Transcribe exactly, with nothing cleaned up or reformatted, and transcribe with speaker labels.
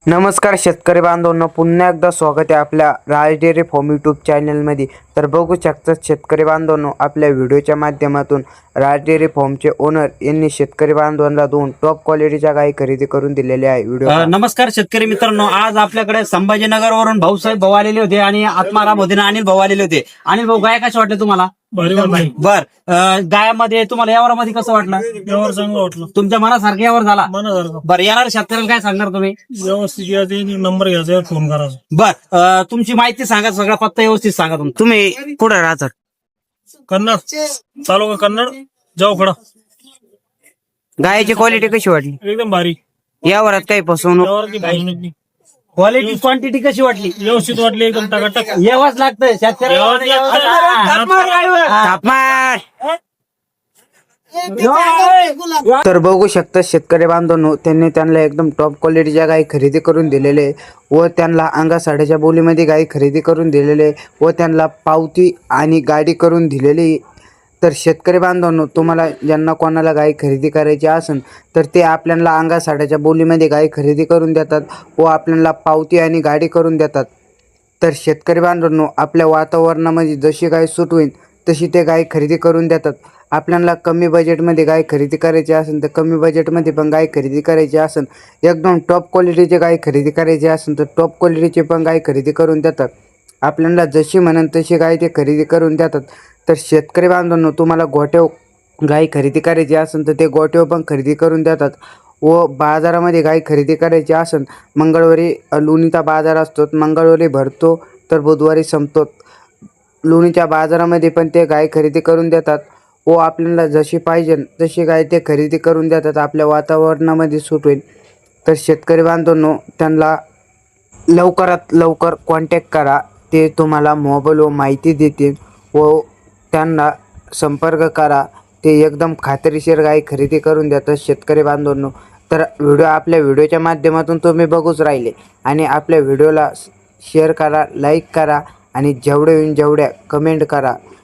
Speaker 1: नमस्कार शेतकरी बांधवांनो, पुन्हा एकदा स्वागत आहे आपल्या राज डेअरी फार्म यूट्यूब चॅनलमध्ये। तर बघू शकतात शेतकरी बांधवांनो, आपल्या व्हिडिओच्या माध्यमातून राज डेअरी फार्मचे ओनर यांनी शेतकरी बांधवांना दोन टॉप क्वालिटीच्या गायी खरेदी करून दिलेल्या आहे। व्हिडिओ
Speaker 2: अ, नमस्कार शेतकरी मित्रांनो, आज आपल्याकडे संभाजीनगर वरून भाऊसाहेब भाऊ आलेले होते आणि आत्माराम होते आणि अनिल भाऊ आलेले होते। अनिल भाऊ, गाय कशा वाटले तुम्हाला? बर, अ, गायामध्ये तुम्हाला यावरामध्ये कसं वाटलं?
Speaker 3: यावर चांगलं वाटलं,
Speaker 2: तुमच्या मनासारखं यावर झाला?
Speaker 3: मनासारखं
Speaker 2: बरं, येणार शेतकऱ्याला काय सांगणार तुम्ही?
Speaker 3: व्यवस्थित यायचे, नंबर घ्यायचा, यावर फोन करायचा.
Speaker 2: बर, अ, तुमची माहिती सांगा, सगळा पत्ता व्यवस्थित सांगा तुमचा.
Speaker 1: तुम्ही कुठं राहतात?
Speaker 3: कन्नड तालुका कन्नड, जाऊ खडा.
Speaker 1: गायची क्वालिटी कशी वाटली?
Speaker 3: एकदम भारी.
Speaker 1: यावरात काही फसवणूक?
Speaker 3: यावर की फसवणूक नाही.
Speaker 2: क्वालिटी क्वांटिटी कशी वाटली?
Speaker 3: व्यवस्थित वाटली, एकदम टकाटक.
Speaker 2: यावंच लागतंय शेतकऱ्याला.
Speaker 1: तापमान! तर बघू शकता शेतकरी बांधवांनो, त्यांनी त्यांना एकदम टॉप क्वालिटीच्या गायी खरेदी करून दिलेले व त्यांना अंगा साड्याच्या बोलीमध्ये गायी खरेदी करून दिलेले व त्यांना पावती आणि गाडी करून दिलेली। तर शेतकरी बांधवांनो, तुम्हाला ज्यांना कोणाला गायी खरेदी करायची असेल तर ते आपल्याला अंगा साड्याच्या बोलीमध्ये गायी खरेदी करून देतात व आपल्याला पावती आणि गाडी करून देतात। तर शेतकरी बांधवांनो, आपल्या वातावरणामध्ये जशी गाय सूट होईल तशी ते गाय खरेदी करून देतात। आपल्याला कमी बजेटमध्ये गाय खरेदी करायची असेल तर कमी बजेटमध्ये पण गाय खरेदी करायची असेल, एकदम टॉप क्वालिटीची गाय खरेदी करायची असेल तर टॉप क्वालिटीची पण गाय खरेदी करून देतात। आपल्याला जशी म्हणेल तशी गाय ते खरेदी करून देतात। तर शेतकरी बांधवांनो, तुम्हाला गोठ्याव गाय खरेदी करायची असेल तर ते गोठ्याव पण खरेदी करून देतात व बाजारामध्ये गाय खरेदी करायची असेल, मंगळवारी लोणीचा बाजार असतो, मंगळवारी भरतो तर बुधवारी संपतो। लोणीच्या बाजारामध्ये पण ते गाय खरेदी करून देतात व आपल्याला जशी पाहिजे तशी गाय ते खरेदी करून देतात, आपल्या वातावरणामध्ये सूट होईल। तर शेतकरी बांधवांनो, त्यांना लवकरात लवकर कॉन्टॅक्ट करा, ते तुम्हाला मोबाईलवर माहिती देतील व त्यांना संपर्क करा, ते एकदम खात्रीशीर गाय खरेदी करून देतात शेतकरी बांधवांनो। तर व्हिडिओ आपल्या व्हिडिओच्या माध्यमातून तुम्ही बघूच राहिले आणि आपल्या व्हिडिओला शेअर करा, लाईक करा आणि जेवढे होईल जेवढ्या कमेंट करा।